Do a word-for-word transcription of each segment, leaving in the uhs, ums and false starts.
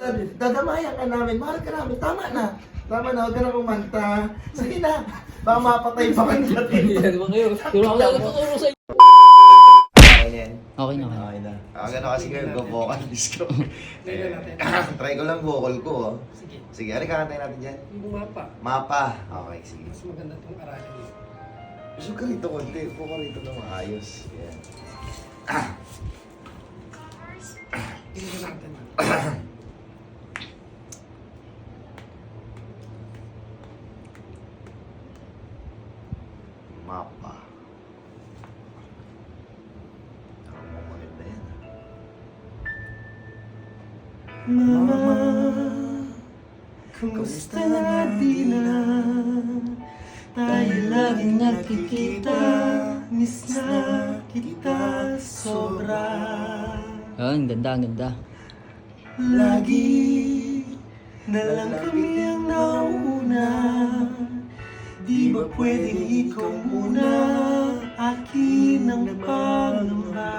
Dadamayan ka namin, mahal ka namin, tama na. Tama na, huwag ka na kumanta. Sige na, baka mapatay pa kanta dito. Hindi naman kayo. Turo ako lang tuturo sa inyo. Okay na yan. Okay na. Okay na. Ako gano'n kasi kayo, go-vocalist ko. Eh, try ko lang vocal ko, oh. Sige. Sige, ano kakantay natin dyan? Yung mapa. Mapa. Okay, sige. Mas maganda itong aralin mo. Gusto ka rito konti, upo ka rito na maayos. Yan. Tingnan natin. Mapa. Ang mga maganda yan. Mama, kumusta na di na? Tayo laging nagkikita. Miss na kita sobra. Oh, ang ganda, ang ganda. Lagi na lang kami ang nauna. Di ba pwedeng ikaw muna? Akin ang pangamba.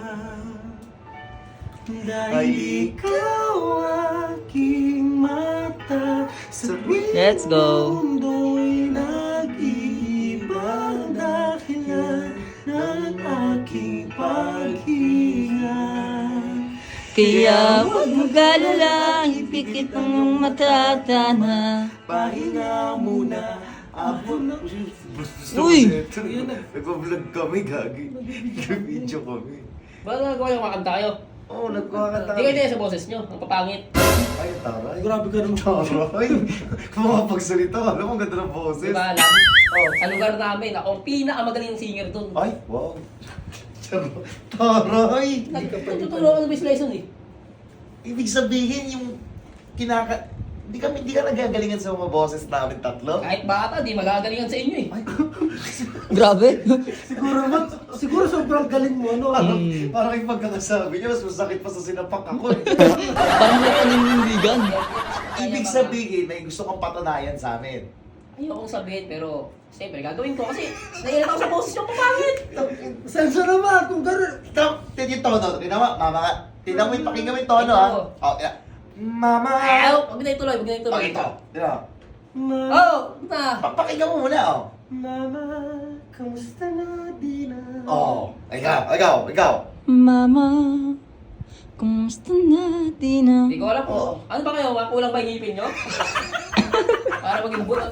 Dahil ikaw aking mata. Sa Let's go. mundo'y nag-iibang dahilan ng aking paghinga. Kaya huwag mag-alala, ipikit ang iyong matatana. Pahinga muna. Ako na. Uy! Nagpa-vlog kami, gagi. Nag-video kami. Ba't nagawa yung makanta kayo? Oo, oh, nagkakanta Hindi kayo din sa boses nyo, ang papangit. Ay, taray. Grabe ka naman. Taray. Kung makapagsalita, alam mo, ang ganda ng boses. Di ba alam? Oh, sa lugar namin, ako ang pinakamagaling singer dun. Ay, wow. Charo. Taray. Nagtuturo ako ng best lesson eh. Ibig sabihin, yung kinaka... Hindi kami, hindi ka nagagalingan sa mga boses namin tatlo? Kahit bata, di magagalingan sa inyo eh. Ay, Grabe. Siguro man, siguro sobrang galing mo, no? parang, parang yung pagkakasabi niya, mas masakit pa sa sinapak ako eh. Parang may paninindigan. Ibig sabihin, may gusto kang patunayan sa amin. Ayokong sabihin, pero siyempre gagawin ko kasi naiilan ako sa boses yung papangit. Sensor naman, kung gano'n. Ito, ito yung tono. Tingnan mo, mama ka. Tingnan mo yung pakinggan mo yung tono, ha? Oh, yeah. Mama! Ayaw, huwag na ituloy, huwag na ituloy. Pakito. Tingnan mo. Oh, na. Pa- Pakinggan mo muna, oh. Mama, kamusta na di na? Oh, ikaw, ikaw, ikaw. Mama, kumusta na di na? Hindi ko alam po. Ano ba kayo? Kulang ba yung ngipin nyo? Para maging bulat.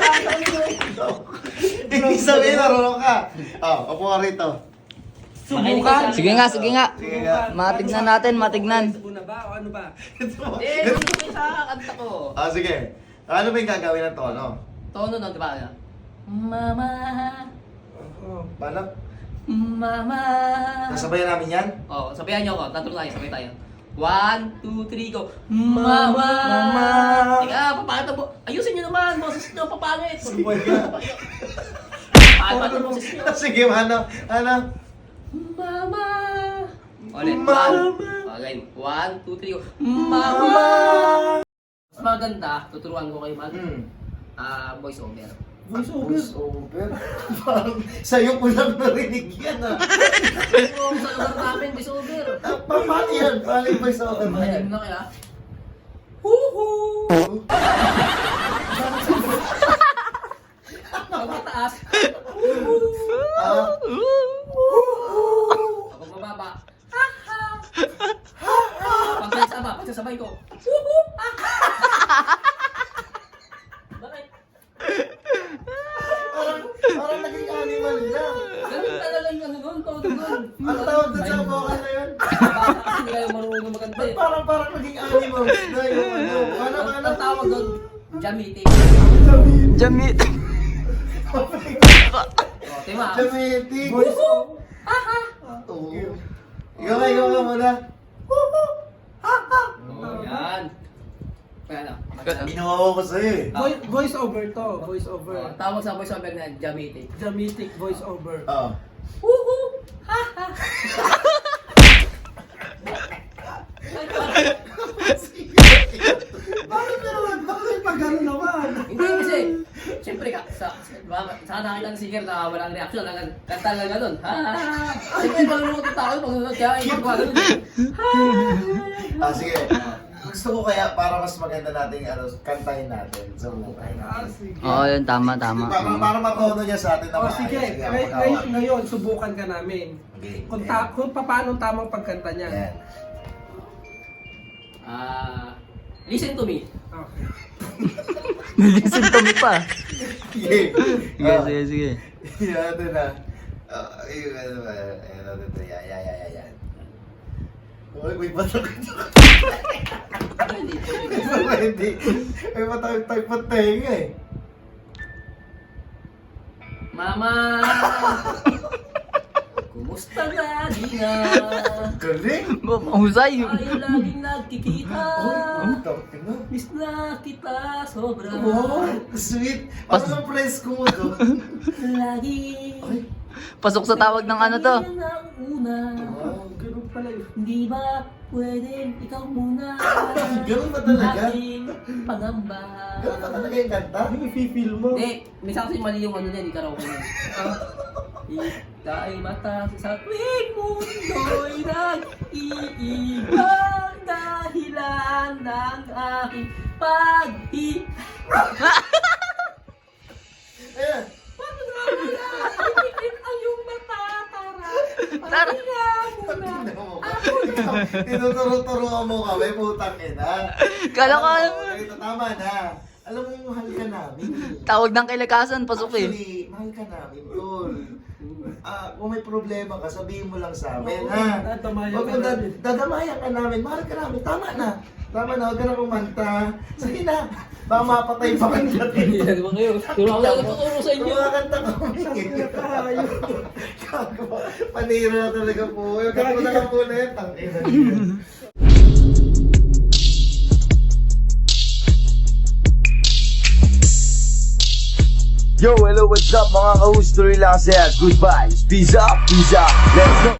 Ibig sabihin, marunong ka. Oh, upo ka rito. Subukan. Sige nga, sige nga. Sige nga. Matignan natin, matignan. Muna ba o ano ba? Hindi, hindi ko sa kanta ko. Ah, sige. Ano ba yung gagawin ng tono? Tono nun, di ba? Mama, Oh. Paano? mama. Nasabayan namin yan? Oh, sabayan nyo ako. Tatlo tayo, sabay tayo. One, two, three, go. Mama! Mama! Teka, papangit na po. Ayusin nyo naman, boses nyo, papangit. Suboy ka. Papangit na boses nyo. Sige, ano? Ano? Mama! Ulit, Mama! one. Okay, one, two, three, go. Mama! Mas maganda, tuturuan ko kayo mag Hmm. ah voice over. Voice over. Voice over? Parang sa'yo ko lang narinig yan, ah. Oo, sa lugar namin, voice over. Ah, pa- Paano yan? Paano yung voice over na yan? Mahinig na kaya? Huhu! Pag mataas, Ah, kapag mababa, pag nagsama, pagsasabay ko, Huhu! Bakit? parang, parang naging animal na. Ganun talaga yung ano doon, todo doon. Ano tawag doon sa vocal na yun? Bata kasi hindi kayo marunong maganda eh. Parang parang naging animal na yung ano. Ano, Ang ano? ang tawag doon, jamiting. Jamit. O, tima. Dramatic. Voice over. Oo. Ikaw nga, ikaw nga muna. O, yan. Kaya ano? Binawawa ko sa'yo eh. Voice, voice over to. Voice O, over. tawag sa voice over na jamiting. Dramatic voice over. Oo. Huhu! Ha ha! Bakit naman? Bakit pag gano'n naman? Hindi kasi, siyempre ka, sa, sa, sa nakita ng singer na walang reaksyon, lang kanta lang ganun. Ha ha ha! Siyempre, malulungkot yung tao, pag nunod kaya ibang mga ganun. Ah, sige. Gusto ko kaya para mas maganda nating ano, kantahin natin. Subukan Ah, natin. sige. Oo, yun, tama, tama. Para, para matono niya sa atin na Oh, maayos. sige, Sige, ngay- ako ngay- gawa. ngayon, subukan ka namin. Okay. Kung, ta- kung paano ang tamang pagkanta niya. Yan. Ah, listen to me. Okay. Nag-listen to me pa. Sige. Sige, sige, sige. Yan, ito na. Ah, ayun, ano ba? Ayun, ano ito. Yan, yan, yan, yan, yan. Uy, may batak ito. Hindi. Hindi. May batak-tak pa tenga eh. Mama! Kumusta lagi na? Galing. Husay. Tayo laging nagkikita. Oh, tapos na. Miss na kita sobra. Wow, sweet. Parang ang presko mo to. Lagi. Ay, Pasok sa tawag ng ano to. Yan ang una. wow. Ganun pala yun. Hindi ba pwedeng ikaw muna? Ganun ba talaga? Aking pangamba. Ganun ba talaga yung kanta? Ano yung feel mo? Hindi, minsan kasi mali yung ano niya, hindi karaoke niya. Ika'y mata sa tuwing mundo'y nag-iibang dahilan ng aking pag-i... Ayan. Ipikit ang iyong matatara. Tara. Pahinga muna. Ako na. Tinuturo-turuan mo kami, putang ina. Kala ko, Alam mo, ganito, tama na. Alam mo, mahal ka namin. tawag ng kilakasan, pasok eh. Actually, mahal ka namin, tol. Ah, kung may problema ka, sabihin mo lang sa amin, Oo, ha? dadamayan Huwag ka mo dad- namin. dadamayan ka namin, mahal ka namin, tama na. Tama na, huwag ka na kumanta. Sige na, baka mapatay pa kanta dito. Di ba kayo? Turo ako lang tuturo sa inyo. Kumakanta kami. Tayo. Gago, panira na talaga po. Yung gago na lang po na yan, tangina niya. Yo, hello, what's up mga ka-host? Tuloy lang saya. Goodbye. Peace up, peace up. Let's go.